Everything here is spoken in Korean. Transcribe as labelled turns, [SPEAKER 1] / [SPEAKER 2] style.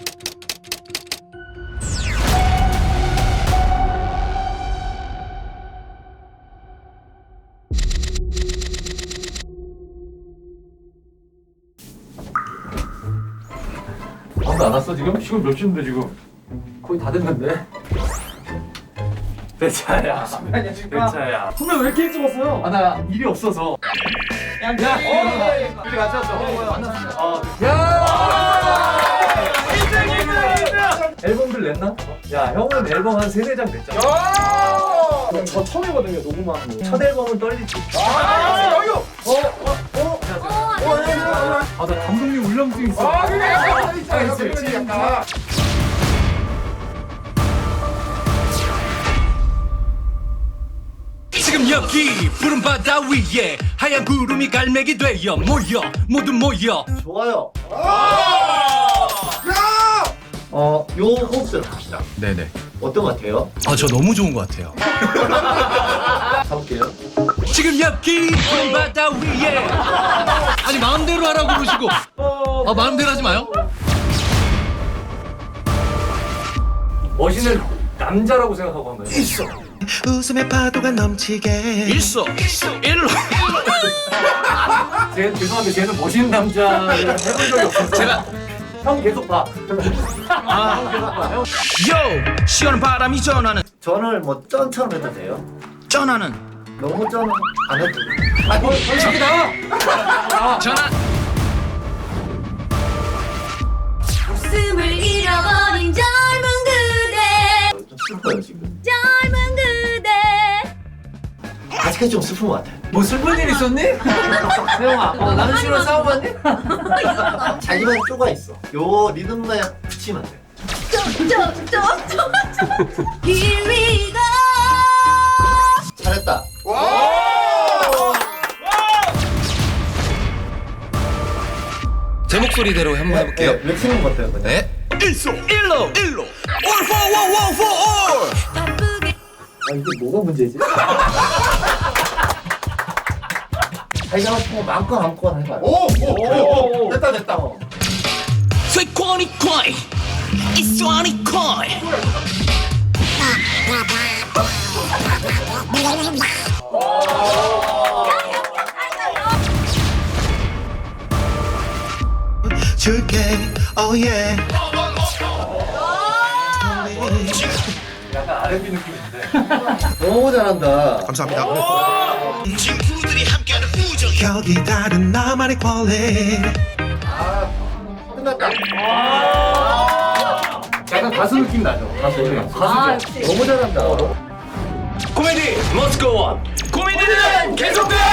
[SPEAKER 1] 아무도 안 왔어 지금? 지금 몇 시인데 지금? 거의 다 됐는데? 내 차야. 내 차야. 선배 왜 이렇게 일찍 왔어요? 아 나 일이 없어서. 야, 우리 같이 왔어. 만났어. 야! 1등! 앨범들 냈나? 야, 형은 앨범 한 3-4장 냈잖아.
[SPEAKER 2] 저 처음이거든요, 녹음하는 거.
[SPEAKER 1] 첫 앨범은 떨리지.
[SPEAKER 2] 여기요!
[SPEAKER 1] 아, 나 감독님 울렁증 있어.
[SPEAKER 2] 그래, 약간.
[SPEAKER 3] 지금 여기 푸른 바다 위에 하얀 구름이 갈매기 되어 모여 모두 모여.
[SPEAKER 4] 좋아요. 요 호흡대로 갑시다.
[SPEAKER 3] 네네.
[SPEAKER 4] 어떤 것 같아요?
[SPEAKER 3] 저 너무 좋은 것 같아요.
[SPEAKER 4] 가볼게요.
[SPEAKER 3] 지금 여기 푸른 바다 위에. 아니 마음대로 하라고 그러시고. 마음대로 하지 마요.
[SPEAKER 1] 멋있는 남자라고 생각하고 한 거예요.
[SPEAKER 4] 있어.
[SPEAKER 5] 웃음의 파도가 넘치게
[SPEAKER 3] 일로.
[SPEAKER 1] 쟤 죄송한데 쟤는 멋있는 남자를 해본 적이 없어서.
[SPEAKER 3] 제가
[SPEAKER 1] 형 계속 봐. 형 계속 봐. 형.
[SPEAKER 3] 요 시원한 바람이 전하는
[SPEAKER 4] 전을 뭐 쩐처럼 해도 돼요?
[SPEAKER 3] 전하는
[SPEAKER 4] 너무 쩐 안 해도 돼요.
[SPEAKER 1] 저기 나와.
[SPEAKER 3] 전하.
[SPEAKER 6] 웃음을 잃어버린 젊은 그대
[SPEAKER 4] 좀 슬퍼요 지금.
[SPEAKER 6] 젊은 그대
[SPEAKER 4] 아직까지 좀 슬픈 것 같아.
[SPEAKER 1] 뭐 슬픈 일 있었니? 세영아, 나는 씨랑 싸워봤니?
[SPEAKER 4] 자기만 쪼가 있어. 요 리듬만 붙이면 돼.
[SPEAKER 6] Here we go
[SPEAKER 4] 잘했다.
[SPEAKER 3] 제 목소리대로 한번 해볼게요.
[SPEAKER 4] 왜 키는 것 같아요?
[SPEAKER 3] 네. 일로. All for one for all.
[SPEAKER 6] 바쁘게
[SPEAKER 4] 아 이게 뭐가 문제지? 자기가 하고 싶은 거 마음껏 해봐요.
[SPEAKER 2] 오! 됐다.
[SPEAKER 3] 쇠코니 코이 이쏘니 코이.
[SPEAKER 5] 줄게 oh yeah
[SPEAKER 1] 약간 R&B 느낌인데.
[SPEAKER 4] 너무 잘한다.
[SPEAKER 5] 감사합니다 격이 다른 나만의 퀄리티
[SPEAKER 4] 끝났다.
[SPEAKER 1] 약간 가수 느낌 나죠? 가수죠?
[SPEAKER 4] 너무 잘한다.
[SPEAKER 3] 코미디 Let's go on. 코미디는 계속돼요.